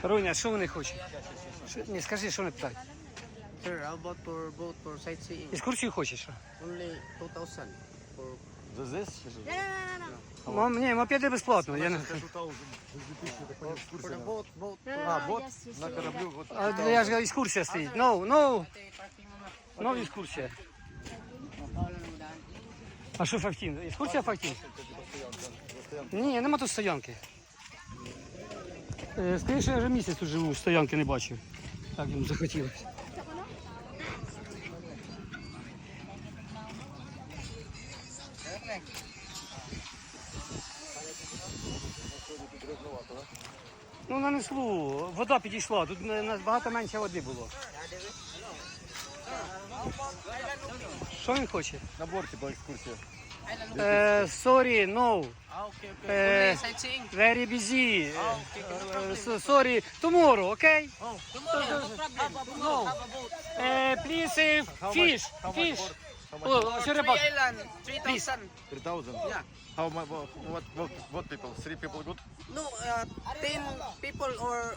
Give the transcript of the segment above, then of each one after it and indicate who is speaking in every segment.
Speaker 1: Руня, що вони хочуть? Ні, скажи, що вони питають.
Speaker 2: Sir, how about for boat for sightseeing?
Speaker 1: Екскурсію хочеш? Що?
Speaker 2: Only 2,000 for
Speaker 3: Здесь?
Speaker 1: Ні, мопеди безплатно. Я не...
Speaker 2: for the boat.
Speaker 3: Вот, на кораблю. Вот.
Speaker 1: А, я ж екскурсія стоїть. No. Екскурсія. А що Фактін? Екскурсія Фактін? Ні, нема тут стоянки. Скоріше, я вже місяць тут живу, стоянки не бачив. Так йому захотілося. Ну, нанесло, вода підійшла, тут набагато менше води було. Що він хоче?
Speaker 3: На борті була екскурсія.
Speaker 1: Sorry, no.
Speaker 2: Only sightseeing?
Speaker 1: Very busy. Sorry, tomorrow, okay?
Speaker 2: Tomorrow, no problem.
Speaker 1: No. Please, fish. Oh, що рибак?
Speaker 2: Island, 3,000.
Speaker 3: 3,000?
Speaker 2: Yeah.
Speaker 3: How much? What people? 3 people good?
Speaker 2: No, 10 people or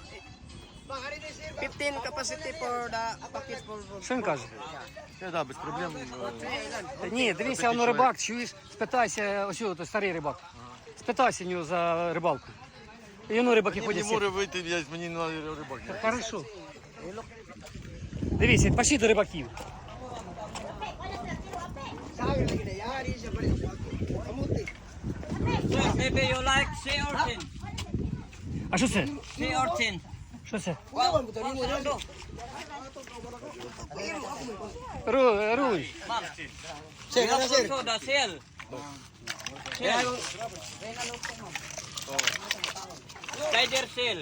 Speaker 2: 15 capacity for the package for boat.
Speaker 1: Що він каже?
Speaker 3: Да, без проблем.
Speaker 2: 3 island.
Speaker 1: Ні, дивися, воно рибак, чуєш, спитайся, ось той старий рибак. Спитайся в нього за рибалку. І воно рибаки
Speaker 3: Мені
Speaker 1: ходять.
Speaker 3: не може вийти, мені на рибак.
Speaker 1: Хорошо. Дивіться, пошли до рибаків.
Speaker 4: Maybe you like sea urchin.
Speaker 1: А що це?
Speaker 4: Sea urchin.
Speaker 1: Що це?
Speaker 4: Well,
Speaker 1: Руй.
Speaker 4: we have also the seal. Seal. Tiger seal.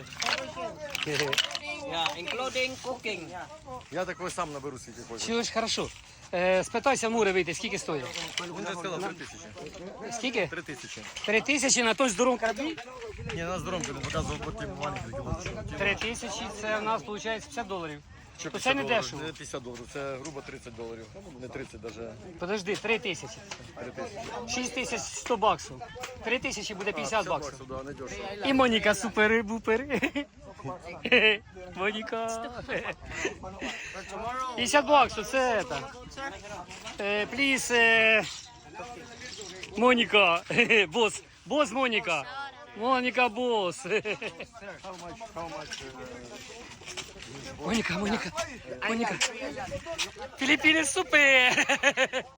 Speaker 4: Yeah, including cooking.
Speaker 3: Я такой сам наберу скільки хочу.
Speaker 1: Чуєш, хорошо. Спитайся Мури вийти, скільки стоїть?
Speaker 3: Він же сказав 3000.
Speaker 1: Скільки?
Speaker 3: 3000.
Speaker 1: 3000 на той здоровому кораблі?
Speaker 3: Не, на здоров'я, він показував такі маленькі кілометри.
Speaker 1: 3000 це в нас виходить $50.
Speaker 3: Що
Speaker 1: То це не
Speaker 3: 50
Speaker 1: дешево.
Speaker 3: Не 50 доларів, це грубо 30 доларів. Не 30 даже.
Speaker 1: Подожди, 3000.
Speaker 3: 3000.
Speaker 1: 6100 баксів. 3000 буде 50 баксів.
Speaker 3: Да, не дешево.
Speaker 1: І Моніка супер-бупер. Моніка. 50 баксів, це це. Пліз, Моніка. Бос Моніка. Моніка бос. Моніка. Філіппіни супер.